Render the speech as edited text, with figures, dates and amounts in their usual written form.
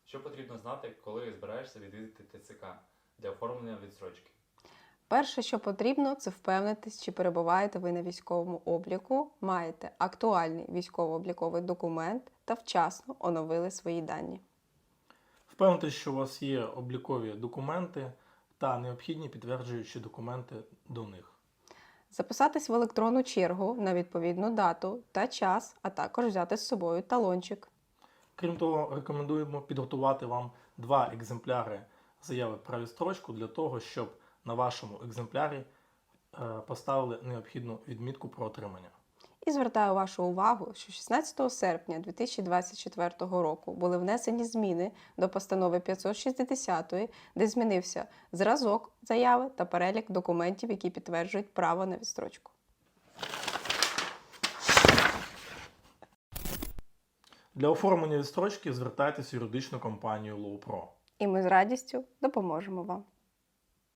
Що потрібно знати, коли збираєшся відвідати ТЦК для оформлення відстрочки? Перше, що потрібно, це впевнитись, чи перебуваєте ви на військовому обліку, маєте актуальний військово-обліковий документ та вчасно оновили свої дані. Впевнитись, що у вас є облікові документи та необхідні підтверджуючі документи до них. Записатись в електронну чергу на відповідну дату та час, а також взяти з собою талончик. Крім того, рекомендуємо підготувати вам 2 екземпляри заяви про відстрочку для того, щоб на вашому екземплярі поставили необхідну відмітку про отримання. І звертаю вашу увагу, що 16 серпня 2024 року були внесені зміни до постанови 560, де змінився зразок заяви та перелік документів, які підтверджують право на відстрочку. Для оформлення відстрочки звертайтеся в юридичну компанію LawPro. І ми з радістю допоможемо вам.